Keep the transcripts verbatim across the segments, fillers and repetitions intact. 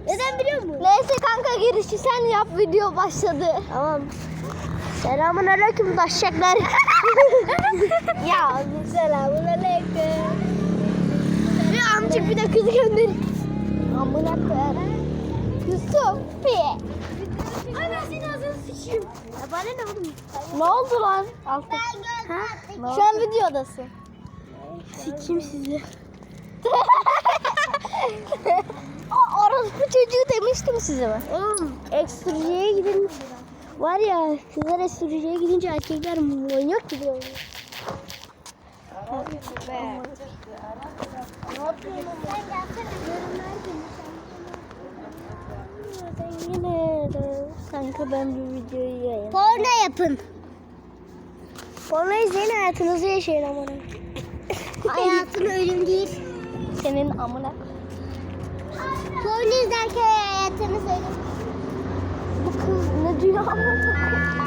Neden biliyor musun? Neyse kanka girişi sen yap, video başladı. Tamam. Selamun aleyküm taşacaklar. Ya Selamun aleyküm. bir amcık bir de kızı gönder. Amına koyarım. Yusuf. Piye. Ay ben senin ağzını sıçayım. Ya bana ne oğlum? Ne oldu lan? Altı. Ha? Şu an videodasın. Sikeyim sizi. Aa, orospu çocuğu demiştim size ben. Oğlum ekstrücüye gidin. Var ya kızlar ekstrücüye gidince erkekler manyak gibi oluyor. Yine de kanka ben bir videoyu yayın. Porno yapın. Porno izleyin hayatınızı yaşayın amına. Hayatın ölüm değil. Senin amına. Porno izlerken hayatınız ölüm. Bu kız ne diyor amına?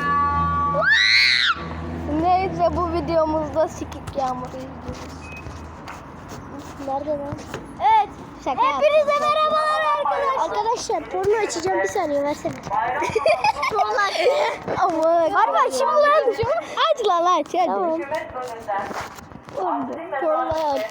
Neyse bu videomuzda sikik yağmuru izliyoruz. Nerede lan? Evet. Şaka Hepinize yaptım. merhabalar arkadaşlar. Arkadaşlar porno açacağım, bir saniye versene. Ama harbi açayım mı lan? Aç lan aç hadi. Tamam. Porno aç.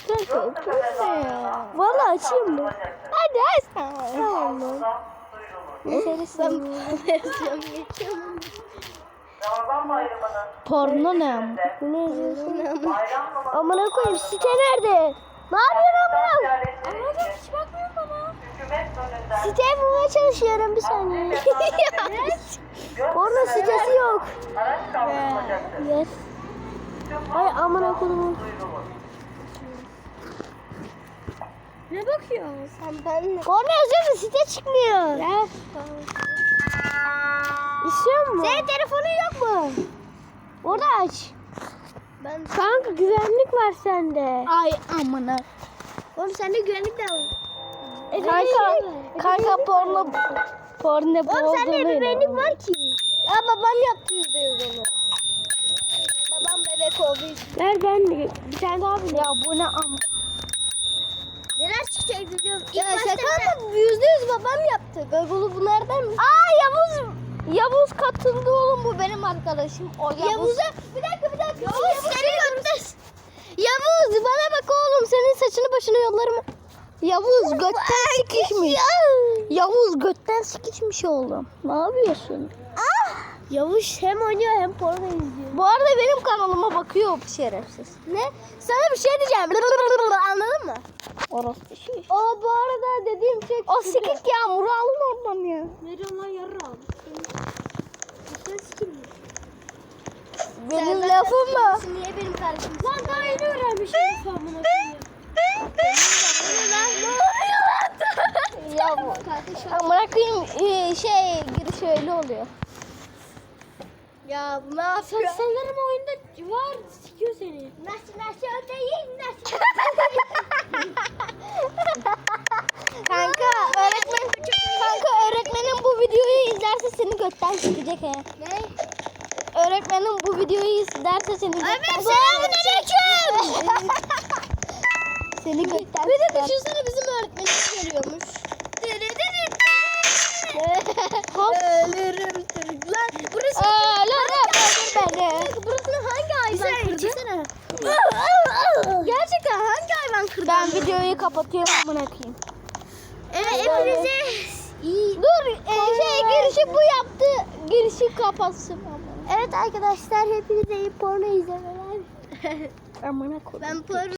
Vallahi açayım mı? Hadi aç. Tamam lan. Seni seviyorum. Versiyon geçiyorum. Ramazan bayramının Porno ne ama? Bu ne yazıyorsun? bayram namazı Amına koyayım site nerede? Ne yapıyorsun amına? Anladım hiç bakmıyorum bana. Hükümet önünden Siteyi bulmaya çalışıyorum, bir saniye. Porno sitesi yok. araç kaldırılacaktır. Yes. Ay amına koyayım. Duyurulur. Ne bakıyorsun sen benimle? Porno yazıyor mu? Site çıkmıyor. Ya. İstiyor musun? Senin telefonun yok mu? Orada aç. Ben kanka güvenlik var sende. Ay amına. Oğlum sende güvenlik de var. E, Kanka, kanka porno porno bu Oğlum sende olduğunu ebeveynlik inanamam. var ki. Ya babam yaptı yüzde yüz onu. Babam bebek olduğu için. Ver ben de bir tane daha bir. Ya bu ne am? Neler çıkacak biliyorum. Ya şaka mı? Yüzde yüz babam yaptı. Google'u bu nereden mi? Aa Yavuz Yavuz katıldı oğlum, bu benim arkadaşım. O Yavuz. Yavuz'a bir dakika bir dakika. Yavuz seni gönder. Yavuz bana bak oğlum, senin saçını başını yollarım. Yavuz götten sikişmiş. Yavuz götten sikişmiş oğlum. Ne yapıyorsun? Yavuz hem oynuyor hem porno izliyor. Bu arada benim kanalıma bakıyor bu şerefsiz. Ne? Sana bir şey diyeceğim. Anladın mı? Orası şey. O bu arada dediğim şey. O sikik yağmuru alın oradan ya. Veriyorum lan yarram. Sen sikim. Benim lafım mı? Niye benim kardeşim? Lan daha yeni öğrenmişim famına. Ya bu. Amına koyayım e, şey giriş öyle oluyor. Ya bu ne yapıyor? Sanırım oyunda var, sikiyor seni. Nasıl nasıl değil nasıl? Kanka öğretmen kanka öğretmenin bu videoyu izlerse seni götten sikecek he. Ne? Öğretmenin bu videoyu izlerse seni götten Öğretmenim selamünaleyküm. Seni götten Bir de siker. düşünsene bizim öğretmenimiz geliyormuş. Ölürüm Türk. Lan burası Ölürüm öldür beni. burasını hangi hayvan kırdı? Çeksene. Gerçekten hangi hayvan kırdı? Ben videoyu kapatıyorum amına koyayım. Evet hepinize iyi. Dur e, şey girişi bu yaptı. Girişi kapatsın. Evet arkadaşlar hepinize iyi porno izlemeler. Amına koyayım. Ben porno